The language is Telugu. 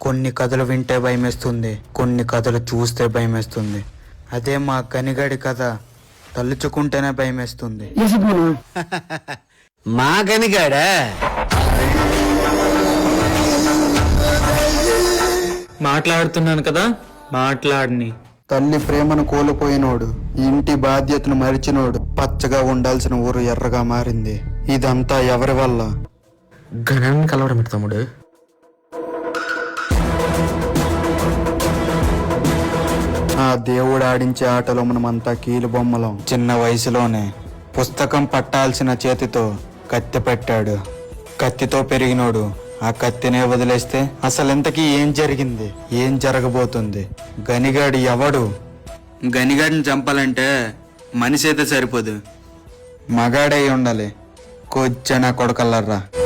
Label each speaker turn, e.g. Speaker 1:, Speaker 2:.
Speaker 1: కొన్ని కథలు వింటే భయమేస్తుంది, కొన్ని కథలు చూస్తే భయమేస్తుంది. అదే మా గనిగాడి కథ తలుచుకుంటేనే భయమేస్తుంది.
Speaker 2: మా గనిగాడా?
Speaker 3: మాట్లాడుతున్నాను కదా, మాట్లాడిని.
Speaker 1: తల్లి ప్రేమను కోల్పోయినోడు, ఇంటి బాధ్యతను మరిచినోడు, పచ్చగా ఉండాల్సిన ఊరు ఎర్రగా మారింది. ఇదంతా ఎవరి వల్ల?
Speaker 2: గణాన్ని కలవడం ఏంటి తమ్ముడు?
Speaker 1: ఆ దేవుడు ఆడించే ఆటలో మనమంతా కీలు బొమ్మలం. చిన్న వయసులోనే పుస్తకం పట్టాల్సిన చేతితో కత్తి పెట్టాడు. కత్తితో పెరిగినోడు ఆ కత్తినే వదిలేస్తే అసలెంతకీ ఏం జరిగింది, ఏం జరగబోతుంది? గనిగాడు ఎవడు? గనిగాడిని చంపాలంటే మనిషి అయితే సరిపోదు, మగాడై ఉండాలి. కొచ్చనా కొడకల్లర్రా.